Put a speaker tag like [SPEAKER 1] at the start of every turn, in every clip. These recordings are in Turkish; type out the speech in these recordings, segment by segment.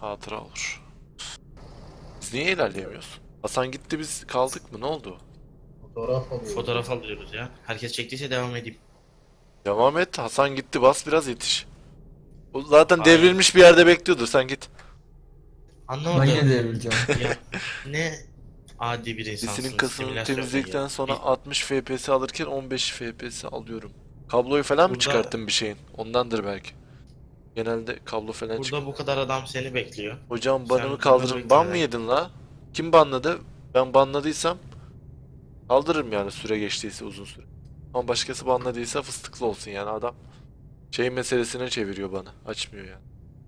[SPEAKER 1] Hatıra olur. Biz niye ilerleyemiyoruz? Hasan gitti, biz kaldık mı? Ne oldu?
[SPEAKER 2] Fotoğraf alıyoruz.
[SPEAKER 3] Fotoğraf alıyoruz ya. Herkes çektiyse devam edeyim.
[SPEAKER 1] Devam et. Hasan gitti. Bas biraz, yetiş. O zaten
[SPEAKER 3] Hayır.
[SPEAKER 1] devrilmiş bir yerde bekliyordur. Sen git.
[SPEAKER 4] Ben
[SPEAKER 3] Anlamadım.
[SPEAKER 4] yine devrileceğim.
[SPEAKER 3] Ya ne adi bir
[SPEAKER 1] Sesinin
[SPEAKER 3] insansın.
[SPEAKER 1] kasını
[SPEAKER 3] Simülasyon
[SPEAKER 1] temizledikten
[SPEAKER 3] ya.
[SPEAKER 1] sonra 60 FPS alırken 15 FPS alıyorum. Kabloyu falan mı
[SPEAKER 3] Burada-
[SPEAKER 1] çıkarttın bir şeyin? Ondandır belki. Genelde kablo falan çıkıyor.
[SPEAKER 3] Burada bu kadar adam seni bekliyor.
[SPEAKER 1] Hocam
[SPEAKER 3] Sen
[SPEAKER 1] banımı
[SPEAKER 3] bunları
[SPEAKER 1] kaldırın. Ban mı
[SPEAKER 3] beklemeden-
[SPEAKER 1] yedin la? Kim banladı? Ben banladıysam kaldırırım yani, süre geçtiyse uzun süre. Ama başkası banladıysa fıstıklı olsun yani, adam şey meselesine çeviriyor bana. Açmıyor yani.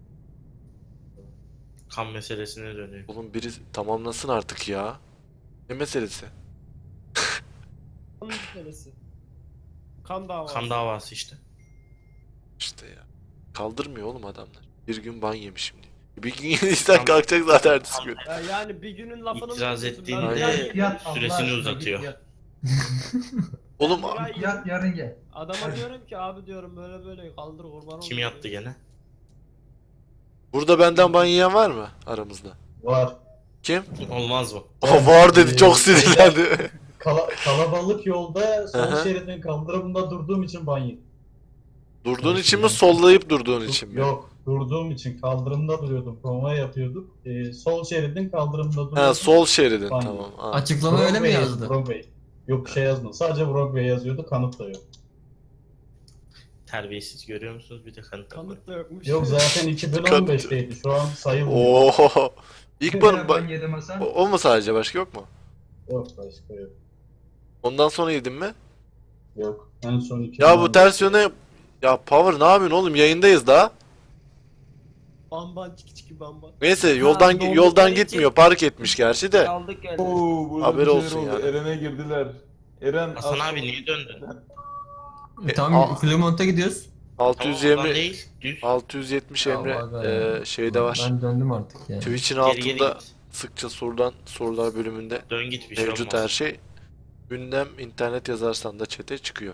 [SPEAKER 3] Kan meselesine dönüyor.
[SPEAKER 1] Oğlum biri tamamlasın artık ya. Ne meselesi?
[SPEAKER 5] Kan meselesi. Kan davası.
[SPEAKER 3] Kan davası işte.
[SPEAKER 1] İşte ya. Kaldırmıyor oğlum adamlar. Bir gün ban yemişim diye. Bir gün yediysen
[SPEAKER 3] Tam-
[SPEAKER 1] kalkacak zaten ertesi gün.
[SPEAKER 5] Ya yani bir günün lafını mı
[SPEAKER 3] İtiraz
[SPEAKER 5] tutuyorsun?
[SPEAKER 3] ettiğinde
[SPEAKER 5] Ben
[SPEAKER 1] Aynen.
[SPEAKER 5] bir ay-
[SPEAKER 2] Yat Allah
[SPEAKER 3] süresini
[SPEAKER 2] aşkına,
[SPEAKER 3] uzatıyor.
[SPEAKER 2] git yat.
[SPEAKER 1] Oğlum
[SPEAKER 5] bir ay-
[SPEAKER 2] Yat yarın gel.
[SPEAKER 5] Adama diyorum ki abi diyorum böyle böyle kaldır kurban
[SPEAKER 3] Kim
[SPEAKER 5] olayım
[SPEAKER 3] yattı
[SPEAKER 5] diyor.
[SPEAKER 3] gene?
[SPEAKER 1] burada benden ban yiyen var mı aramızda?
[SPEAKER 2] Var.
[SPEAKER 1] Kim?
[SPEAKER 3] Olmaz mı?
[SPEAKER 1] O var dedi, çok sinirlendi.
[SPEAKER 2] Kalabalık yolda sol
[SPEAKER 1] Aha.
[SPEAKER 2] şeridin kaldırımında durduğum için ban yedim.
[SPEAKER 1] Durduğun için mi, sollayıp durduğun için mi?
[SPEAKER 2] Yok, durduğum için kaldırımda duruyordum. Konvoy yapıyorduk. Sol şeridin kaldırımında duruyordum.
[SPEAKER 1] Ha, sol şeridin,
[SPEAKER 2] Ban
[SPEAKER 1] tamam.
[SPEAKER 2] yedim.
[SPEAKER 1] Ha.
[SPEAKER 4] Açıklama öyle mi
[SPEAKER 2] Broadway
[SPEAKER 4] yazdı?
[SPEAKER 2] Broadway. Yok bir şey yazmadı. Sadece Broadway yazıyordu. Kanıt da yok.
[SPEAKER 3] Terbiyesiz, görüyor musunuz? Bir de kanıt koyuyor.
[SPEAKER 5] Kanıt da yokmuş.
[SPEAKER 2] Yok zaten 2015'teydi. Şu an sayılmıyor.
[SPEAKER 1] Oo. İlk ban,
[SPEAKER 2] ban yedim Hasan.
[SPEAKER 1] o mu sadece, başka yok mu?
[SPEAKER 2] Yok başka yok.
[SPEAKER 1] Ondan sonra yedin mi?
[SPEAKER 2] Yok. En son 2015.
[SPEAKER 1] Ya bu ters yöne... Ya Power ne yapıyorsun oğlum? Yayındayız daha.
[SPEAKER 5] Bamban çiki çiki bamban.
[SPEAKER 1] Neyse, yoldan
[SPEAKER 5] dondukları
[SPEAKER 1] yoldan
[SPEAKER 5] için-
[SPEAKER 1] gitmiyor. Park etmiş gerçi de.
[SPEAKER 5] Kaldık geldik.
[SPEAKER 6] Oo, burada
[SPEAKER 1] Haberi
[SPEAKER 6] bir şeyler
[SPEAKER 1] olsun
[SPEAKER 6] oldu.
[SPEAKER 1] yani.
[SPEAKER 6] Eren'e girdiler. Eren
[SPEAKER 3] Hasan
[SPEAKER 6] az-
[SPEAKER 3] abi niye döndün?
[SPEAKER 4] Tamam Clermont'a gidiyoruz.
[SPEAKER 3] Tamam oradan
[SPEAKER 1] 620
[SPEAKER 3] değil. Düz.
[SPEAKER 1] 670
[SPEAKER 4] Ya
[SPEAKER 1] Emre
[SPEAKER 4] vallahi ya.
[SPEAKER 1] şeyde var.
[SPEAKER 4] Ben döndüm artık yani.
[SPEAKER 1] Twitch'in
[SPEAKER 3] Geri geri
[SPEAKER 1] altında
[SPEAKER 3] git.
[SPEAKER 1] sıkça sorulan sorular bölümünde
[SPEAKER 3] Dön git, bir şey
[SPEAKER 1] mevcut
[SPEAKER 3] olmaz.
[SPEAKER 1] her şey. Gündem internet yazarsan da chat'e çıkıyor.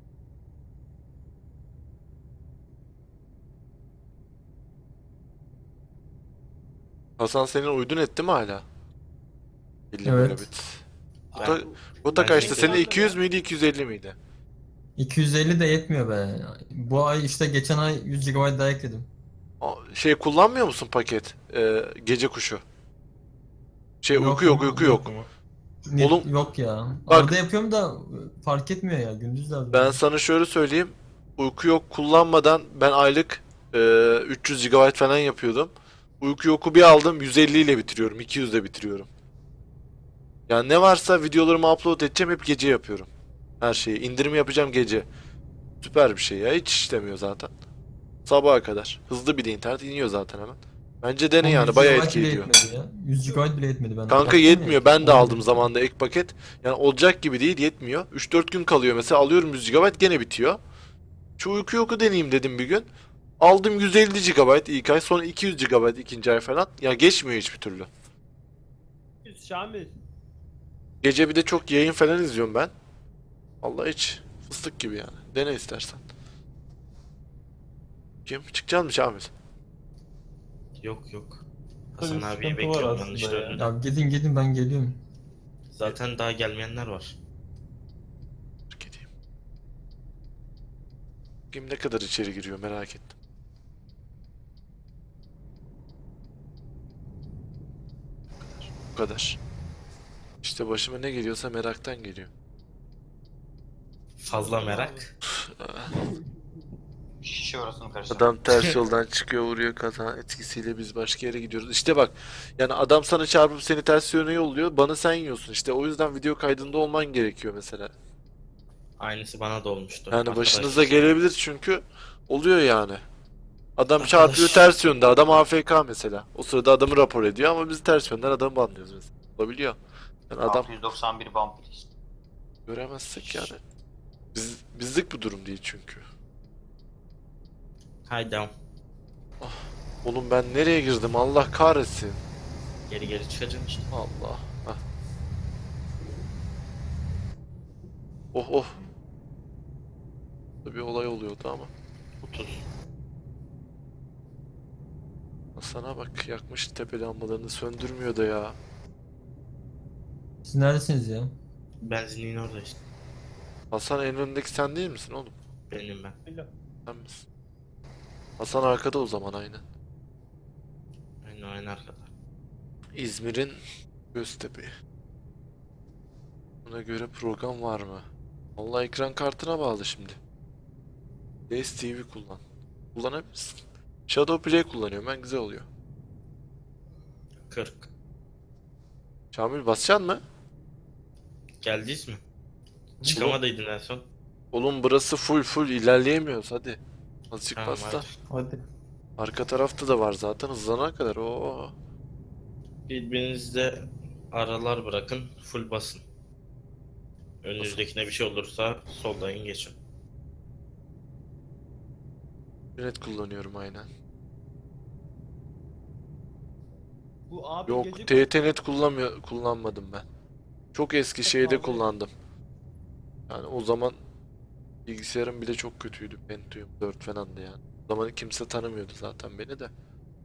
[SPEAKER 1] Hasan senin uydun etti mi hala? 50
[SPEAKER 4] Evet.
[SPEAKER 1] megabit.
[SPEAKER 3] Ben-
[SPEAKER 1] Gota
[SPEAKER 3] ben
[SPEAKER 1] kaçtı?
[SPEAKER 3] şey-
[SPEAKER 1] Senin 200 müydü, 250 miydi?
[SPEAKER 4] 250 de yetmiyor be. Bu ay işte geçen ay 100 GB daha ekledim.
[SPEAKER 1] Şey kullanmıyor musun paket? Gece kuşu. Şey
[SPEAKER 4] Yok,
[SPEAKER 1] uyku yok. Oğlum-
[SPEAKER 4] Yok ya.
[SPEAKER 1] Bak-
[SPEAKER 4] Arada yapıyorum da fark etmiyor ya. Gündüz lazım.
[SPEAKER 1] Ben sana şöyle söyleyeyim. Uyku yok kullanmadan ben aylık 300 GB falan yapıyordum. Uyku yoku bir aldım, 150 ile bitiriyorum. 200 ile bitiriyorum. Yani ne varsa videolarımı upload edeceğim, hep gece yapıyorum. Her şeyi. İndirim yapacağım gece. Süper bir şey ya. Hiç işlemiyor zaten. Sabaha kadar. Hızlı bir de internet iniyor zaten hemen. Bence dene yani.
[SPEAKER 4] 100
[SPEAKER 1] Bayağı
[SPEAKER 4] GB
[SPEAKER 1] etki
[SPEAKER 4] bile
[SPEAKER 1] ediyor.
[SPEAKER 4] yetmedi ya. 100 GB bile yetmedi ben.
[SPEAKER 1] Kanka
[SPEAKER 4] Baktım
[SPEAKER 1] yetmiyor.
[SPEAKER 4] ya.
[SPEAKER 1] Ben de aldım
[SPEAKER 4] 11.
[SPEAKER 1] zamanında ek paket. Yani olacak gibi değil, yetmiyor. 3-4 gün kalıyor mesela, alıyorum 100 GB gene bitiyor. Şu uyku yoku deneyeyim dedim bir gün. Aldım 150 GB ilk ay, sonra 200 GB ikinci ay falan. Ya geçmiyor hiçbir türlü.
[SPEAKER 5] Şamil.
[SPEAKER 1] Gece bir de çok yayın falan izliyorum ben. Allah hiç fıstık gibi yani. Dene istersen. Kim? Çıkacak mı Şamil?
[SPEAKER 3] Yok yok.
[SPEAKER 6] Tabii
[SPEAKER 3] Hasan abiyi
[SPEAKER 6] sıkıntı var
[SPEAKER 3] bekliyorum ben
[SPEAKER 6] aslında
[SPEAKER 3] işte
[SPEAKER 6] ya.
[SPEAKER 3] önüne.
[SPEAKER 4] Ya gidin ben geliyorum.
[SPEAKER 3] Zaten daha gelmeyenler var.
[SPEAKER 1] Gideyim. Kim ne kadar içeri giriyor merak ettim. Bu kadar. İşte başıma ne geliyorsa meraktan geliyor.
[SPEAKER 3] Fazla merak.
[SPEAKER 7] Şişe orasını karıştırma.
[SPEAKER 1] Adam ters yoldan çıkıyor, vuruyor, kaza etkisiyle biz başka yere gidiyoruz. İşte bak, yani adam sana çarpıp seni ters yöne yolluyor, bana sen yiyorsun. İşte o yüzden video kaydında olman gerekiyor mesela.
[SPEAKER 3] Aynısı bana da olmuştu.
[SPEAKER 1] Yani
[SPEAKER 3] Arkadaş-
[SPEAKER 1] başınıza gelebilir çünkü oluyor yani. Adam
[SPEAKER 3] Arkadaş-
[SPEAKER 1] çarpıyor ters yönde, adam AFK mesela. O sırada adamı rapor ediyor ama biz ters yönden adamı banlıyoruz mesela. Olabiliyor. Yani adam
[SPEAKER 7] 691 bump please.
[SPEAKER 1] göremezsek yani. Bizlik bu durum değil çünkü.
[SPEAKER 3] Haydi
[SPEAKER 1] Oğlum ben nereye girdim, Allah kahretsin.
[SPEAKER 3] geri geri çıkacaksın işte.
[SPEAKER 1] Allah. Hah. Oh oh. Bir olay oluyordu ama.
[SPEAKER 3] 30.
[SPEAKER 1] Sana bak, yakmış tepe lambalarını, söndürmüyor da ya.
[SPEAKER 4] Siz neredesiniz ya?
[SPEAKER 3] Benzinliğin orada işte.
[SPEAKER 1] Hasan, en önündeki sen değil misin oğlum?
[SPEAKER 3] Benim ben.
[SPEAKER 5] Öyle.
[SPEAKER 1] Sen misin? Hasan arkada o zaman, aynen.
[SPEAKER 3] Aynı arkada.
[SPEAKER 1] İzmir'in Göztepe. Buna göre program var mı? Vallahi ekran kartına bağlı şimdi. DSTV kullan. Kullanabilirsin. Shadow Play kullanıyorum ben, güzel oluyor.
[SPEAKER 3] 40.
[SPEAKER 1] Şamil, basacaksın mı?
[SPEAKER 3] Geldiniz mi? Çıkamadıydın en son.
[SPEAKER 1] Oğlum burası full ilerleyemiyoruz, hadi. Azıcık
[SPEAKER 3] Tamam,
[SPEAKER 1] bas da.
[SPEAKER 3] hadi.
[SPEAKER 6] Hadi.
[SPEAKER 1] Arka tarafta da var zaten, hızlanana kadar. Oo.
[SPEAKER 3] Birbirinizde aralar bırakın. Full basın. Önünüzdekine bir şey olursa soldan geçin.
[SPEAKER 1] Net kullanıyorum aynen.
[SPEAKER 5] Bu abi
[SPEAKER 1] Yok,
[SPEAKER 5] gece
[SPEAKER 1] TT-Net kullanmadım ben. Çok eski şeyde
[SPEAKER 5] pahalı.
[SPEAKER 1] kullandım. Yani o zaman bilgisayarım bile çok kötüydü. Pentium 4 falandı yani. O zaman kimse tanımıyordu zaten beni de.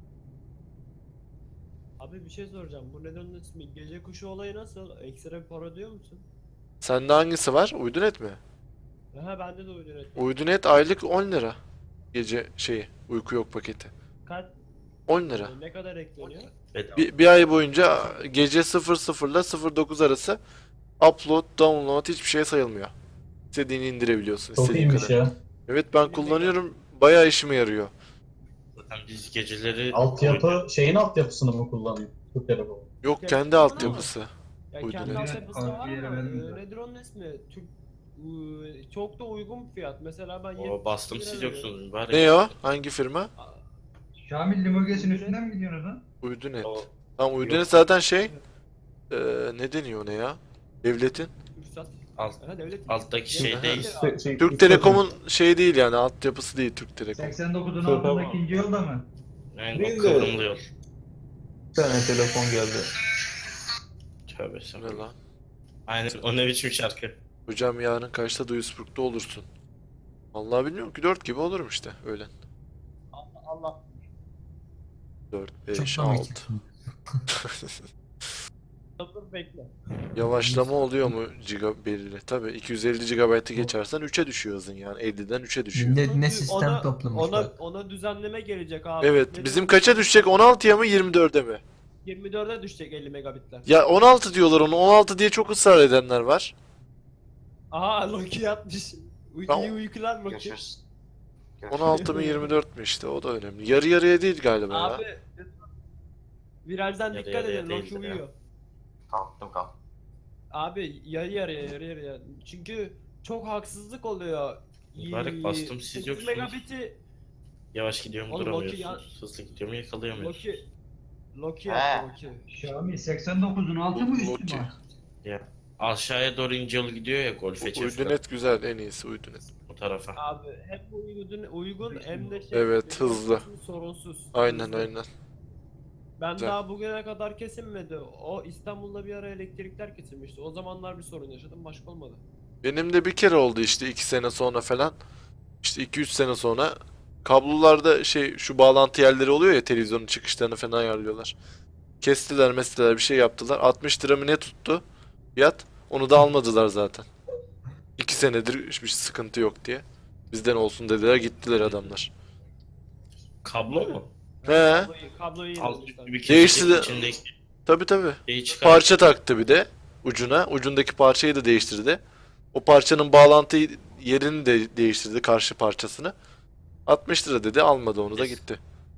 [SPEAKER 5] Abi bir şey soracağım. Bu neden ismi? Gece kuşu olayı nasıl? Ekstra bir para ödüyor musun?
[SPEAKER 1] Sende hangisi var? Uydunet mi?
[SPEAKER 5] Aha bende de uydu net.
[SPEAKER 1] Uydunet aylık 10 lira. Gece şeyi, uyku yok paketi.
[SPEAKER 5] Kaç?
[SPEAKER 1] 10 lira.
[SPEAKER 5] Ne kadar ekleniyor?
[SPEAKER 3] Bedava.
[SPEAKER 1] Bir ay boyunca gece 00 ile 09 arası upload, download hiçbir şey sayılmıyor. İstediğini indirebiliyorsun,
[SPEAKER 2] Çok
[SPEAKER 1] istediğin
[SPEAKER 2] iyiymiş
[SPEAKER 1] kadar.
[SPEAKER 2] ya.
[SPEAKER 1] Evet, ben kullanıyorum. Bayağı işime yarıyor.
[SPEAKER 3] Zaten biz geceleri
[SPEAKER 2] Altyapı şeyin altyapısını mı kullanıyor bu telefon?
[SPEAKER 1] Yok,
[SPEAKER 5] Ya,
[SPEAKER 1] kendi
[SPEAKER 5] ama-
[SPEAKER 1] altyapısı.
[SPEAKER 5] Ya
[SPEAKER 1] Uydu
[SPEAKER 5] kendi
[SPEAKER 1] net.
[SPEAKER 5] altyapısı var
[SPEAKER 8] Abi,
[SPEAKER 5] ama
[SPEAKER 8] veremedim de.
[SPEAKER 5] nedir onun ismi? Türk çok da uygun bir fiyat. Mesela ben
[SPEAKER 3] o bastım,
[SPEAKER 5] 70
[SPEAKER 3] siz
[SPEAKER 5] lira
[SPEAKER 3] yoksunuz mübarek.
[SPEAKER 1] Ne o? Hangi firma?
[SPEAKER 8] Şamil Limurges'in üstünden mi gidiyorsunuz lan?
[SPEAKER 1] Uydunet.
[SPEAKER 3] O
[SPEAKER 1] Tamam, Uydunet
[SPEAKER 3] Yok.
[SPEAKER 1] zaten şey, ne deniyor ona ya? Devletin.
[SPEAKER 5] Ürsat.
[SPEAKER 3] alt,
[SPEAKER 5] Aha devlet.
[SPEAKER 3] alttaki
[SPEAKER 5] Devlet-
[SPEAKER 3] şey değil.
[SPEAKER 1] Türk Telekom'un şey değil yani, altyapısı değil Türk Telekom.
[SPEAKER 8] 89'un
[SPEAKER 6] Tamam.
[SPEAKER 8] altında ikinci yolda mı?
[SPEAKER 3] Yani
[SPEAKER 6] Değil
[SPEAKER 3] o
[SPEAKER 6] de-
[SPEAKER 3] kıvrımlı yol.
[SPEAKER 6] Bir tane telefon geldi.
[SPEAKER 3] Tövbe
[SPEAKER 1] Ne
[SPEAKER 3] estağfurullah.
[SPEAKER 1] lan?
[SPEAKER 3] Aynen, o ne biçim şarkı.
[SPEAKER 1] Hocam yarın kaçta Duisburg'da olursun? Vallahi bilmiyorum ki, 4 gibi olurum işte öğlen.
[SPEAKER 5] Allah.
[SPEAKER 1] 4,
[SPEAKER 4] Çok
[SPEAKER 1] 5,
[SPEAKER 4] da
[SPEAKER 1] 6.
[SPEAKER 4] geçeceksin.
[SPEAKER 5] Dur bekle.
[SPEAKER 1] Yavaşlama oluyor mu belirli? Tabii 250 GB'ı geçersen 3'e düşüyor hızın, yani 50'den 3'e düşüyor.
[SPEAKER 4] Ne
[SPEAKER 5] Çünkü
[SPEAKER 4] sistem
[SPEAKER 5] ona,
[SPEAKER 4] toplamış
[SPEAKER 5] ona,
[SPEAKER 4] bak.
[SPEAKER 5] ona düzenleme gelecek abi.
[SPEAKER 1] Evet,
[SPEAKER 5] Nedir
[SPEAKER 1] bizim
[SPEAKER 5] o?
[SPEAKER 1] kaça düşecek? 16'ya mı 24'e mi?
[SPEAKER 5] 24'e düşecek 50 megabitler.
[SPEAKER 1] Ya 16 diyorlar onu, 16 diye çok ısrar edenler var.
[SPEAKER 5] Aha Loki yatmış.
[SPEAKER 1] Ben-
[SPEAKER 5] İyi uykular Loki.
[SPEAKER 7] Görüşürüz.
[SPEAKER 1] 16 mı 24 mü, işte o da önemli. Yarı yarıya değil galiba ya.
[SPEAKER 5] Abi virajdan
[SPEAKER 3] Yarı
[SPEAKER 5] dikkat
[SPEAKER 3] yarıya
[SPEAKER 5] edin Loki
[SPEAKER 3] değildir ya.
[SPEAKER 5] uyuyor.
[SPEAKER 7] Kalktım.
[SPEAKER 5] Abi yarı yarıya. Çünkü çok haksızlık oluyor.
[SPEAKER 3] Mübarek bastım, siz
[SPEAKER 5] 8
[SPEAKER 3] yoksunuz.
[SPEAKER 5] megabit'i
[SPEAKER 3] Yavaş gidiyorum,
[SPEAKER 5] Oğlum,
[SPEAKER 3] duramıyorsunuz. Hızlı gidiyorum, yakalayamıyorsunuz.
[SPEAKER 5] Loki
[SPEAKER 7] He.
[SPEAKER 5] yaptı Loki.
[SPEAKER 8] Şamil 89'un altı mı üstü
[SPEAKER 1] Loki.
[SPEAKER 8] mü?
[SPEAKER 3] Ya aşağıya doğru ince yol gidiyor ya, golfe çeviriyor
[SPEAKER 1] Uydunet güzel, en iyisi Uydunet.
[SPEAKER 3] o tarafa.
[SPEAKER 5] Abi hep uygun hem de
[SPEAKER 1] Evet, hızlı.
[SPEAKER 5] sorunsuz.
[SPEAKER 1] Aynen
[SPEAKER 5] Hızlı.
[SPEAKER 1] aynen.
[SPEAKER 5] Ben
[SPEAKER 1] Güzel.
[SPEAKER 5] daha bugüne kadar kesilmedi. O İstanbul'da bir ara elektrikler kesilmişti. O zamanlar bir sorun yaşadım, başka olmadı.
[SPEAKER 1] Benim de bir kere oldu işte 2 sene sonra falan. İşte 2-3 sene sonra kablolarda şey, şu bağlantı yerleri oluyor ya, televizyonun çıkışlarını falan ayarlıyorlar. Kestiler bir şey yaptılar. 60 lira mı ne tuttu fiyat? Onu da almadılar zaten. 2 senedir hiçbir sıkıntı yok diye. Bizden olsun dediler, gittiler adamlar.
[SPEAKER 3] Kablo mu?
[SPEAKER 1] He,
[SPEAKER 5] Kabloyu
[SPEAKER 3] Alt
[SPEAKER 5] yenilemişler.
[SPEAKER 3] bir
[SPEAKER 1] Değişti de-
[SPEAKER 3] içindeki
[SPEAKER 1] tabi.
[SPEAKER 3] şeyi çıkar.
[SPEAKER 1] Parça taktı bir de ucuna. Ucundaki parçayı da değiştirdi. O parçanın bağlantı yerini de değiştirdi, karşı parçasını. 60 lira dedi, almadı, onu da gitti.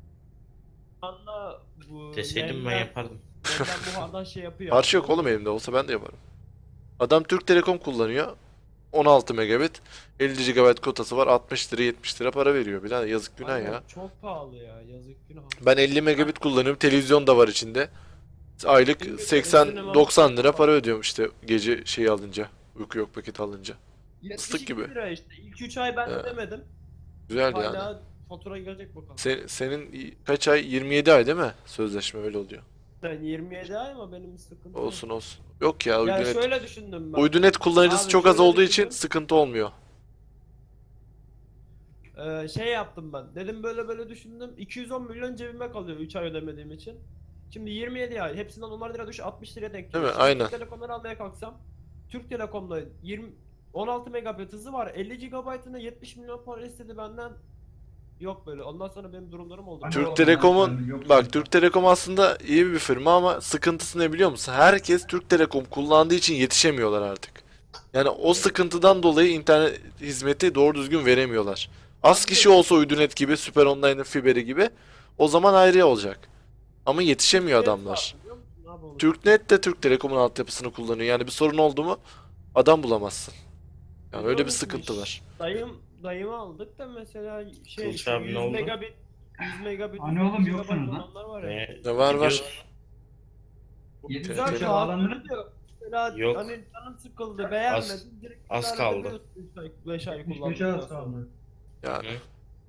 [SPEAKER 5] Anda bu
[SPEAKER 3] Deseydim ben yapardım.
[SPEAKER 5] Nemden buhardan şey yapıyor.
[SPEAKER 1] Parça yok oğlum elimde, olsa ben de yaparım. Adam Türk Telekom kullanıyor. 16 megabit, 50 GB kotası var, 60 lira 70 lira para veriyor. Birader yazık, günah
[SPEAKER 5] Aynen,
[SPEAKER 1] ya.
[SPEAKER 5] Çok pahalı ya, yazık günah.
[SPEAKER 1] Ben 50 megabit kullanıyorum, televizyon da var içinde. Aylık
[SPEAKER 5] Benim de
[SPEAKER 1] 80-90 lira para ödüyorum işte gece şeyi alınca. Uyku yok paketi alınca.
[SPEAKER 5] 72
[SPEAKER 1] gibi.
[SPEAKER 5] lira işte. İlk 3 ay ben
[SPEAKER 1] He.
[SPEAKER 5] ödemedim.
[SPEAKER 1] Güzel yani.
[SPEAKER 5] Hala fatura gelecek bakalım.
[SPEAKER 1] Senin kaç ay? 27 ay değil mi? Sözleşme öyle oluyor.
[SPEAKER 5] Ben 27 ay ama benim bir sıkıntı yok.
[SPEAKER 1] Olsun olsun. Yok ya,
[SPEAKER 5] Ya
[SPEAKER 1] Uydunet.
[SPEAKER 5] şöyle düşündüm ben.
[SPEAKER 1] Uydunet kullanıcısı
[SPEAKER 5] Abi
[SPEAKER 1] çok az
[SPEAKER 5] şöyle
[SPEAKER 1] olduğu için
[SPEAKER 5] düşündüm.
[SPEAKER 1] sıkıntı olmuyor.
[SPEAKER 5] Şey yaptım ben. Dedim böyle böyle düşündüm. 210 milyon cebime kalıyor 3 ay ödemediğim için. Şimdi 27 ay. Hepsinden 10 lira düş 60 liraya denk
[SPEAKER 1] Değil
[SPEAKER 5] geliyor.
[SPEAKER 1] mi?
[SPEAKER 5] Şimdi
[SPEAKER 1] Aynen.
[SPEAKER 5] Türk Telekom'dan almaya kalksam Türk Telekom'da 16 megabit hızı var. 50 GB'ına 70 milyon para istedi benden. Yok böyle. Ondan sonra benim durumlarım oldu.
[SPEAKER 8] Hani
[SPEAKER 1] Türk
[SPEAKER 8] oğlum,
[SPEAKER 1] Telekom'un
[SPEAKER 8] ben yok
[SPEAKER 1] bak
[SPEAKER 8] zaten.
[SPEAKER 1] Türk Telekom aslında iyi bir firma ama sıkıntısı ne biliyor musun? Herkes Türk Telekom kullandığı için yetişemiyorlar artık. Yani o sıkıntıdan dolayı internet hizmeti doğru düzgün veremiyorlar. Az kişi olsa Uydunet gibi, Süper Online'ın fiberi gibi o zaman ayrı olacak. Ama yetişemiyor
[SPEAKER 5] Türknet
[SPEAKER 1] adamlar.
[SPEAKER 5] var, biliyor musun abi onu?
[SPEAKER 1] Türknet de Türk Telekom'un altyapısını kullanıyor. Yani bir sorun oldu mu adam bulamazsın. Yani öyle bir sıkıntı var.
[SPEAKER 5] Dayımı aldık da mesela şey
[SPEAKER 3] Kılıç
[SPEAKER 5] işte
[SPEAKER 3] abi ne
[SPEAKER 5] 100
[SPEAKER 3] oldu?
[SPEAKER 5] megabit 100 megabit
[SPEAKER 8] Hani oğlum
[SPEAKER 5] 100
[SPEAKER 8] yoksunuz
[SPEAKER 5] megabit
[SPEAKER 8] lan.
[SPEAKER 5] olanlar var ya.
[SPEAKER 1] Ne var var.
[SPEAKER 3] Gidiyoruz.
[SPEAKER 5] Güzel
[SPEAKER 1] Tehlikeli.
[SPEAKER 5] şu an öyle diyor. Mesela
[SPEAKER 3] Yok.
[SPEAKER 5] hani canın sıkıldı, beğenmedin. Direkt
[SPEAKER 3] az
[SPEAKER 5] iptal
[SPEAKER 3] kaldı.
[SPEAKER 5] edebiliyorsun 3 ay, 5 ay
[SPEAKER 8] 75'e
[SPEAKER 5] kullandıktan
[SPEAKER 8] az
[SPEAKER 5] sonra.
[SPEAKER 8] kaldı.
[SPEAKER 1] Yani
[SPEAKER 3] Hı.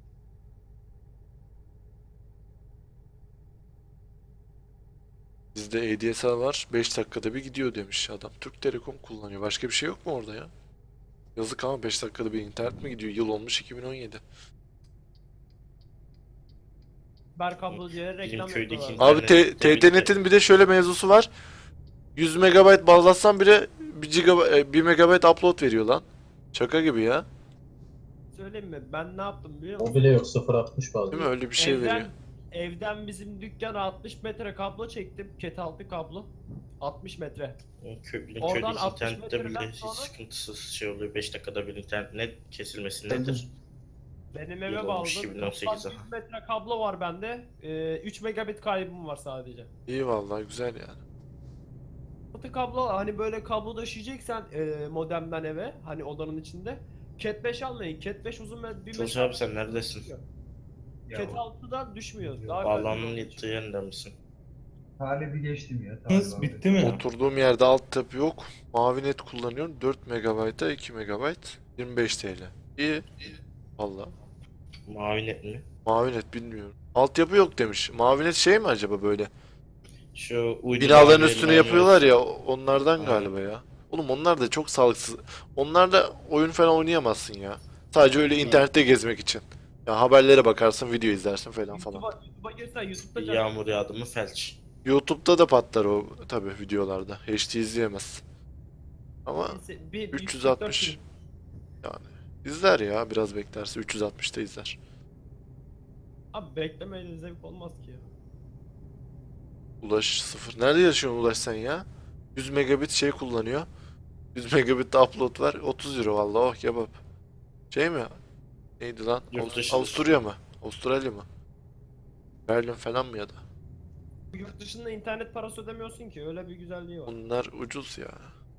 [SPEAKER 1] bizde ADSL var. 5 dakikada bir gidiyor demiş adam. Türk Telekom kullanıyor. Başka bir şey yok mu orada ya? Yazık ama 5 dakikada bir internet mi gidiyor? Yıl olmuş 2017.
[SPEAKER 5] Berkablo diye reklam
[SPEAKER 3] köydeki
[SPEAKER 5] yapıyorlar.
[SPEAKER 1] Abi
[SPEAKER 3] İnternet tabii ki.
[SPEAKER 1] TTNet'in bir de şöyle mevzusu var. 100 MB bağlatsan bile 1 MB upload veriyor lan. Şaka gibi ya.
[SPEAKER 5] Söyleyeyim mi? Ben ne yaptım biliyor
[SPEAKER 2] O
[SPEAKER 5] musun?
[SPEAKER 2] bile yok 0.60 bazı.
[SPEAKER 1] Değil mi? Öyle bir şey veriyor.
[SPEAKER 5] Evden bizim dükkana 60 metre kablo çektim. Ket altı kablo. 60 metre.
[SPEAKER 3] Köylü
[SPEAKER 5] Oradan
[SPEAKER 3] köydeki
[SPEAKER 5] 60
[SPEAKER 3] internette bile
[SPEAKER 5] metreden
[SPEAKER 3] hiç
[SPEAKER 5] sonra-
[SPEAKER 3] sıkıntısız şey oluyor. 5 dakikada bir internet kesilmesi nedir?
[SPEAKER 5] Benim
[SPEAKER 3] Yıl
[SPEAKER 5] eve
[SPEAKER 3] olmuş
[SPEAKER 5] bağladım.
[SPEAKER 3] 2018'e.
[SPEAKER 5] Toplam 100 metre kablo var bende. 3 megabit kaybım var sadece.
[SPEAKER 1] İyi vallahi güzel yani.
[SPEAKER 5] Altı kablo hani böyle kablo taşıyacaksan modemden eve hani odanın içinde. Cat 5 almayın. Cat 5 uzun bir
[SPEAKER 3] Kılıç abi sen neredesin?
[SPEAKER 5] Cat 6'dan düşmüyor. Daha
[SPEAKER 3] Bağlanmanın
[SPEAKER 5] kaliteli olduğu
[SPEAKER 3] yettiği
[SPEAKER 5] için.
[SPEAKER 3] yerinde misin?
[SPEAKER 8] Talebi geçtim ya.
[SPEAKER 6] Hız
[SPEAKER 8] Talip
[SPEAKER 6] bitti mi?
[SPEAKER 1] Oturduğum yerde altyapı yok. Mavinet kullanıyorum. 4 MB'a 2 MB 25 TL. İyi. Valla.
[SPEAKER 3] Mavi net mi?
[SPEAKER 1] Mavinet bilmiyorum. Altyapı yok demiş. Mavinet şey mi acaba böyle?
[SPEAKER 3] Şu uydu
[SPEAKER 1] Binaların
[SPEAKER 3] mavi
[SPEAKER 1] üstüne
[SPEAKER 3] elmanı
[SPEAKER 1] yapıyorlar
[SPEAKER 3] olsun.
[SPEAKER 1] ya onlardan
[SPEAKER 3] Aynen.
[SPEAKER 1] galiba ya. Oğlum onlar da çok sağlıksız. Onlarla oyun falan oynayamazsın ya. Sadece öyle internette gezmek için. Ya haberlere bakarsın, video izlersin falan falan.
[SPEAKER 5] YouTube'a girsen YouTube'da
[SPEAKER 3] Bir
[SPEAKER 5] canım.
[SPEAKER 3] yağmur yağdı mı felç.
[SPEAKER 1] YouTube'da da patlar o tabi videolarda. HD izleyemez. Ama
[SPEAKER 5] Bir
[SPEAKER 1] 360 yani izler ya biraz beklerse 360'ta izler.
[SPEAKER 5] Abi beklemeyle zevk olmaz ki ya.
[SPEAKER 1] Ulaş 0. Nerede yaşıyorsun Ulaş sen ya? 100 megabit şey kullanıyor. 100 megabit de upload var. 30 euro vallahi oh kebap. Şey mi? Neydi lan?
[SPEAKER 3] Yurt dışı.
[SPEAKER 1] Avusturya mı? Avustralya mı? Berlin falan mı ya da?
[SPEAKER 5] Yurt dışında internet parası ödemiyorsun ki öyle bir güzelliği var.
[SPEAKER 1] Bunlar ucuz ya.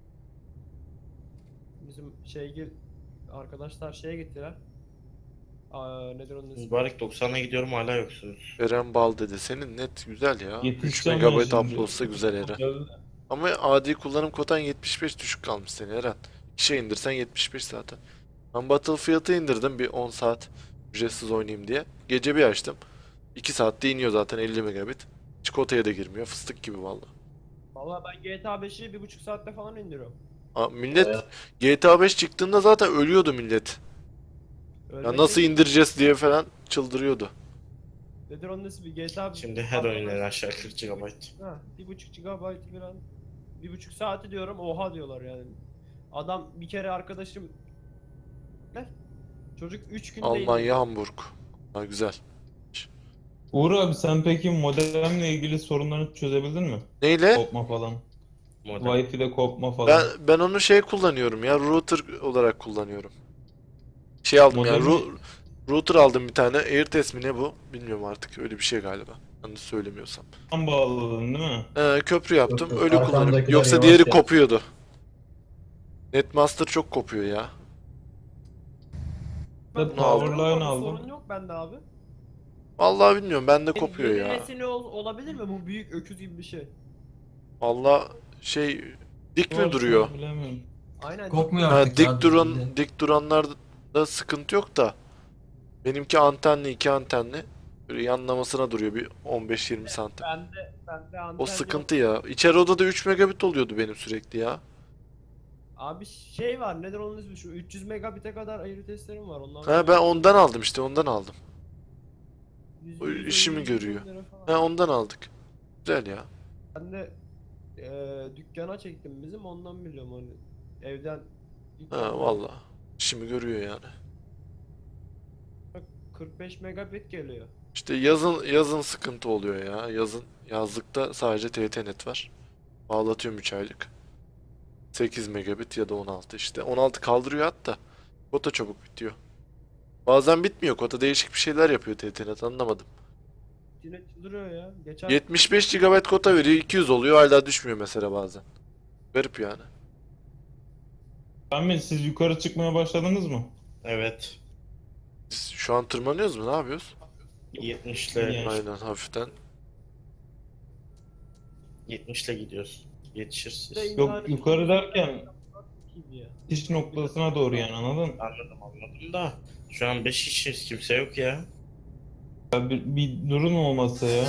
[SPEAKER 5] Bizim arkadaşlar şeye gittiler. Nedir onun ismi?
[SPEAKER 3] Mübarek 90'a gidiyorum hala yoksunuz.
[SPEAKER 1] Eren Bal dedi. Senin net güzel ya. 3
[SPEAKER 6] Yetişeceğim ben
[SPEAKER 1] megabit
[SPEAKER 6] şimdi.
[SPEAKER 1] upload'sa güzel Eren. Ama adi kullanım kotan 75 düşük kalmış senin Eren. 2 indirsen 75 zaten. Ben Battlefield'ı indirdim bir 10 saat ücretsiz oynayayım diye. Gece bir açtım. 2 saatte iniyor zaten 50 megabit. Çikolataya da girmiyor. Fıstık gibi valla.
[SPEAKER 5] Valla ben GTA 5'i 1,5 saatte falan indiriyorum.
[SPEAKER 1] Millet
[SPEAKER 2] Bayağı.
[SPEAKER 1] GTA 5 çıktığında zaten ölüyordu millet.
[SPEAKER 5] Öyle
[SPEAKER 1] Ya nasıl
[SPEAKER 5] değil.
[SPEAKER 1] indireceğiz diye falan çıldırıyordu.
[SPEAKER 5] Nedir onun ismi? GTA
[SPEAKER 3] Şimdi her oyun en aşağı 40 GB.
[SPEAKER 5] Ha, 1,5 GB falan. 1,5 saati diyorum oha diyorlar yani. Adam bir kere arkadaşım ne? Çocuk 3 günde
[SPEAKER 1] Almanya, Hamburg. Ha, güzel.
[SPEAKER 6] Uğur abi sen peki modemle ilgili sorunlarını çözebildin mi?
[SPEAKER 1] Neyle?
[SPEAKER 6] Kopma falan.
[SPEAKER 3] Modem.
[SPEAKER 6] Wi-Fi'de kopma falan.
[SPEAKER 1] Ben onu şey kullanıyorum ya. Router olarak kullanıyorum. Şey aldım ya.
[SPEAKER 6] Modemi-
[SPEAKER 1] Router aldım bir tane. AirTest mi ne bu? Bilmiyorum artık. Öyle bir şey galiba. Yanlış söylemiyorsam.
[SPEAKER 6] Tam bağladın değil mi?
[SPEAKER 1] Köprü yaptım.
[SPEAKER 2] Yok,
[SPEAKER 1] Öyle kullanıyorum.
[SPEAKER 2] arkamdakiler
[SPEAKER 1] Yoksa
[SPEAKER 2] yavaş
[SPEAKER 1] diğeri
[SPEAKER 2] ya.
[SPEAKER 1] kopuyordu. Netmaster çok kopuyor ya.
[SPEAKER 6] Ben Powerline aldım.
[SPEAKER 5] Sorun yok bende abi.
[SPEAKER 1] Vallahi bilmiyorum. Bende kopuyor
[SPEAKER 5] Yeni
[SPEAKER 1] ya.
[SPEAKER 5] nesil olabilir mi bu büyük öküz gibi bir şey?
[SPEAKER 1] Vallahi şey dik mi
[SPEAKER 6] Varsa
[SPEAKER 1] duruyor?
[SPEAKER 6] Bilemiyorum.
[SPEAKER 5] Aynen.
[SPEAKER 4] Kopmuyor
[SPEAKER 1] Ha,
[SPEAKER 4] artık ya.
[SPEAKER 1] dik duranlarda sıkıntı yok da. Benimki antenli, 2 antenli. Böyle yanlamasına duruyor bir 15-20 santim.
[SPEAKER 5] Bende anten
[SPEAKER 1] O
[SPEAKER 5] yok.
[SPEAKER 1] sıkıntı ya. İçeri odada 3 megabit oluyordu benim sürekli ya.
[SPEAKER 5] Abi şey var, nedir onun ismi, şu 300 megabit'e kadar ayrı testlerim var ondan.
[SPEAKER 1] Ha ben ondan aldım işte, ondan aldım. O
[SPEAKER 5] 100,
[SPEAKER 1] işimi
[SPEAKER 5] 150
[SPEAKER 1] görüyor.
[SPEAKER 5] lira falan.
[SPEAKER 1] Ha ondan aldık. Güzel ya.
[SPEAKER 5] Ben de dükkana çektim bizim, ondan biliyorum onu. Evden
[SPEAKER 1] Ha valla. İşimi görüyor yani.
[SPEAKER 5] 45 megabit geliyor.
[SPEAKER 1] İşte yazın sıkıntı oluyor ya. Yazlıkta sadece TT-Net var. Bağlatıyorum 3 aylık. 8 megabit ya da 16 işte. 16 kaldırıyor hatta. Kota çabuk bitiyor. Bazen bitmiyor. Kota değişik bir şeyler yapıyor TT-Net, anlamadım.
[SPEAKER 5] Yine çıldırıyor ya. Geçen
[SPEAKER 1] 75 GB kota veriyor, 200 oluyor, hala düşmüyor mesela bazen. Garip yani.
[SPEAKER 6] Kamil siz yukarı çıkmaya başladınız mı?
[SPEAKER 3] Evet.
[SPEAKER 1] Biz şu an tırmanıyoruz mu? Ne yapıyoruz?
[SPEAKER 3] 70 ile
[SPEAKER 6] Yani.
[SPEAKER 1] Aynen, hafiften.
[SPEAKER 3] 70 ile gidiyoruz. Yetişiriz.
[SPEAKER 5] de
[SPEAKER 6] Yok yukarı derken
[SPEAKER 5] gibi ya.
[SPEAKER 6] iş noktasına doğru yani, anladın mı?
[SPEAKER 3] Anladım da şu an 5 kişiyiz, kimse yok ya.
[SPEAKER 6] Ya bir durum olmasa ya.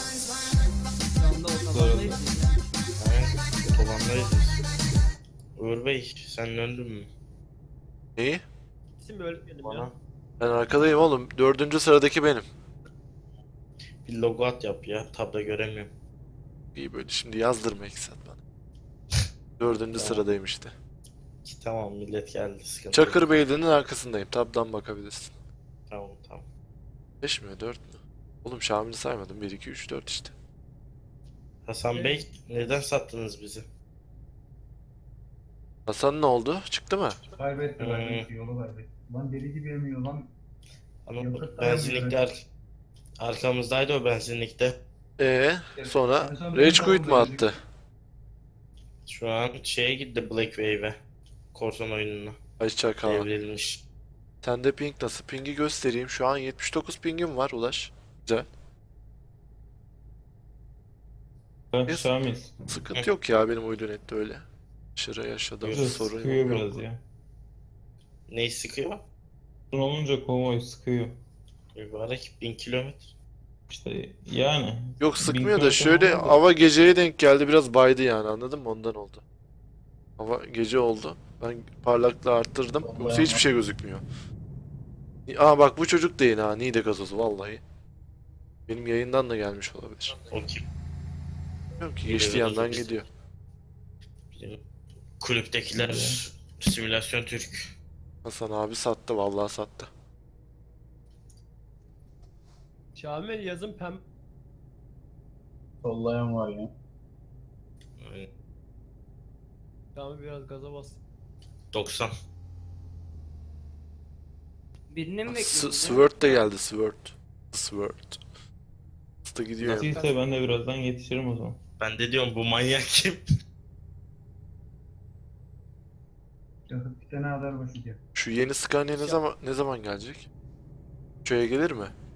[SPEAKER 3] Aynen, otobandayız biz. Uğur Bey, sen döndün mü
[SPEAKER 1] Neyi?
[SPEAKER 5] İsim öğretmenim
[SPEAKER 3] bana?
[SPEAKER 5] ya.
[SPEAKER 1] Ben arkadayım oğlum. 4. sıradaki benim.
[SPEAKER 3] Bir logo at yap ya, tabda göremiyorum.
[SPEAKER 1] İyi, böyle şimdi yazdırma Eksat bana. 4. sıradayım işte.
[SPEAKER 3] Tamam, millet geldi, sıkıntı
[SPEAKER 1] Çakır
[SPEAKER 3] yok.
[SPEAKER 1] Beyliği'nin arkasındayım. Tabdan bakabilirsin.
[SPEAKER 3] Tamam.
[SPEAKER 1] 5 mi 4 mü? Oğlum Şamil'i saymadım. 1, 2, 3, 4 işte.
[SPEAKER 3] Hasan Bey, neden sattınız bizi?
[SPEAKER 1] Hasan ne oldu? Çıktı mı?
[SPEAKER 8] Kaybetti ben yolu kaybetti. Lan deli gibi emiyor lan.
[SPEAKER 3] Ama
[SPEAKER 8] Yakıt
[SPEAKER 3] benzinlikler arkamızdaydı, o benzinlikte.
[SPEAKER 1] Sonra
[SPEAKER 8] En son
[SPEAKER 1] Rage
[SPEAKER 8] biz de
[SPEAKER 1] Quit mi
[SPEAKER 8] oradaydık.
[SPEAKER 1] attı?
[SPEAKER 3] Şu an şeye gitti, Black Wave'e. Korsan oyununa.
[SPEAKER 1] Ay çakal.
[SPEAKER 3] Devrilmiş.
[SPEAKER 1] Sende ping nasıl? Ping'i göstereyim. Şu an 79 pingim var Ulaş. Güzel.
[SPEAKER 6] Ben
[SPEAKER 1] Yes.
[SPEAKER 6] Şamil.
[SPEAKER 1] Sıkıntı yok ya, benim uydu nette öyle. Aşırı yaşadığım
[SPEAKER 6] Biraz
[SPEAKER 1] sorun
[SPEAKER 6] sıkıyor
[SPEAKER 1] yok.
[SPEAKER 6] biraz ya.
[SPEAKER 3] Neyi sıkıyor?
[SPEAKER 6] Uzun olunca konvoy sıkıyor.
[SPEAKER 3] Mübarek 1000 kilometre.
[SPEAKER 6] İşte yani.
[SPEAKER 1] Yok sıkmıyor da
[SPEAKER 6] kilometre
[SPEAKER 1] şöyle
[SPEAKER 6] falan da-
[SPEAKER 1] hava geceye denk geldi, biraz baydı yani, anladın mı? Ondan oldu. Hava gece oldu. Ben parlaklığı arttırdım. Yoksa hiçbir şey gözükmüyor. Aa bak, bu çocuk da yeni ha. Niğde gazozu vallahi. Benim yayından da gelmiş olabilir.
[SPEAKER 3] O kim?
[SPEAKER 1] Bilmiyorum ki,
[SPEAKER 3] Niğde
[SPEAKER 1] geçti
[SPEAKER 3] gazozu
[SPEAKER 1] yandan
[SPEAKER 3] bizim.
[SPEAKER 1] gidiyor.
[SPEAKER 3] Bizim kulüptekiler simülasyon Türk.
[SPEAKER 1] Hasan abi sattı, vallahi sattı.
[SPEAKER 5] Şamil yazın
[SPEAKER 2] Sollayan var ya.
[SPEAKER 3] Yani
[SPEAKER 5] Şamil biraz gaza bas.
[SPEAKER 3] 90.
[SPEAKER 9] Birini mi
[SPEAKER 1] S
[SPEAKER 9] bekliyorsun?
[SPEAKER 1] Sword de geldi, Sword. Sword. Hızlı gidiyor.
[SPEAKER 6] Nasılsa ben de birazdan yetişirim o zaman.
[SPEAKER 3] Ben de diyorum, bu manyak kim?
[SPEAKER 8] Yakıt bir tane kadar başlayacak.
[SPEAKER 1] Şu yeni Scania ne zaman gelecek? Şuraya gelir mi?